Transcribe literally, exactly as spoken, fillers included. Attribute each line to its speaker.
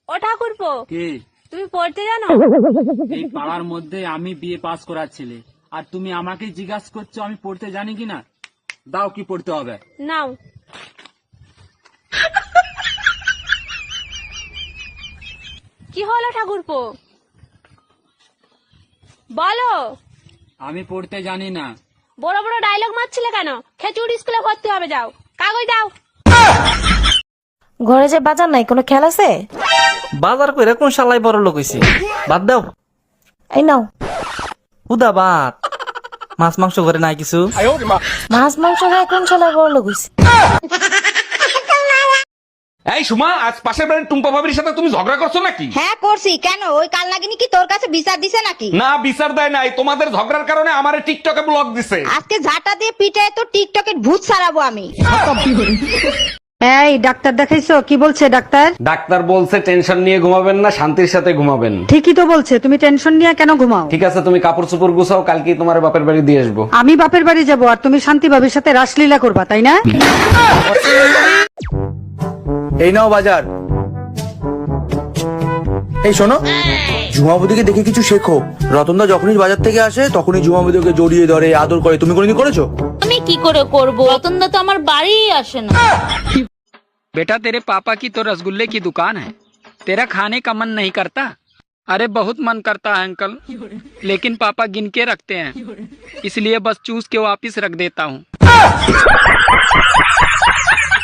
Speaker 1: ও ঠাকুরপো,
Speaker 2: কি?
Speaker 1: তুমি পড়তে জানো?
Speaker 2: এই পাড়ার মধ্যে আমি বিয়ে পাস করার ছেলে, আর তুমি আমাকে জিজ্ঞাসা করছো আমি পড়তে জানি কিনা? দাও, কি পড়তে হবে?
Speaker 1: নাও। কি হলো ঠাকুরপো, বলো।
Speaker 2: আমি পড়তে জানি না।
Speaker 1: বড় বড় ডায়লগ মারছিলে কেন? খেচুড় স্কুলে ভর্তি হবে, যাও কাগজ দাও।
Speaker 3: ঘরে যে বাজার নাই, কোনো খেয়াল আছে?
Speaker 4: বাজার কইরা কোন শালাই বড় লোক হইছে? বাদ দাও।
Speaker 3: এই নাও।
Speaker 4: উদা বাদ, মাছ মাংস ঘরে নাই কিছু?
Speaker 3: মাছ মাংস খায় কোন শালা বড় লোক হইছে?
Speaker 5: এই সুমা, আজ পাশের বাড়ির টুম্পা ভাবির সাথে তুমি ঝগড়া করছো নাকি?
Speaker 6: হ্যাঁ করছি। কেন, ওই কাল নাগিনী কি তোর কাছে বিচার দিছে নাকি?
Speaker 5: না, বিচার দেয় নাই, তোমাদের ঝগড়ার কারণে আমারে টিকটকে ব্লক দিছে।
Speaker 6: আজকে ঝাঁটা দিয়ে পিঠে তো টিকটকের ভূত ছাড়াবো আমি।
Speaker 7: এই ডাক্তার দেখাইছো? কি বলছে ডাক্তার?
Speaker 5: ডাক্তার বলছে টেনশন নিয়ে ঘুমাবেন না, শান্তির সাথে ঘুমাবেন।
Speaker 7: ঠিকই তো বলছে, তুমি টেনশন নিয়ে কেন ঘুমাও?
Speaker 5: ঠিক আছে, তুমি কাপড় চোপড় গুছাও, কালকে তোমার বাপের বাড়ি দিয়ে আসবো।
Speaker 7: আমি বাপের বাড়ি যাব আর তুমি শান্তি ভাবির সাথে রাসলীলা করবা, তাই না?
Speaker 8: এই নাও বাজার। এই শোনো, ঝুমাবুদিকে দেখে কিছু শেখো। রতনদা যখনই বাজার থেকে আসে তখনই ঝুমাবুদিকে জড়িয়ে ধরে আদর করে। তুমি কোনোদিন করেছো?
Speaker 9: আমি কি করে করব? রতনদা তো আমার বাড়ি আসে না।
Speaker 10: बेटा तेरे पापा की तो रसगुल्ले की दुकान है, तेरा खाने का मन नहीं करता? अरे बहुत मन करता है अंकल, लेकिन पापा गिन के रखते हैं, इसलिए बस चूस के वापिस रख देता हूँ।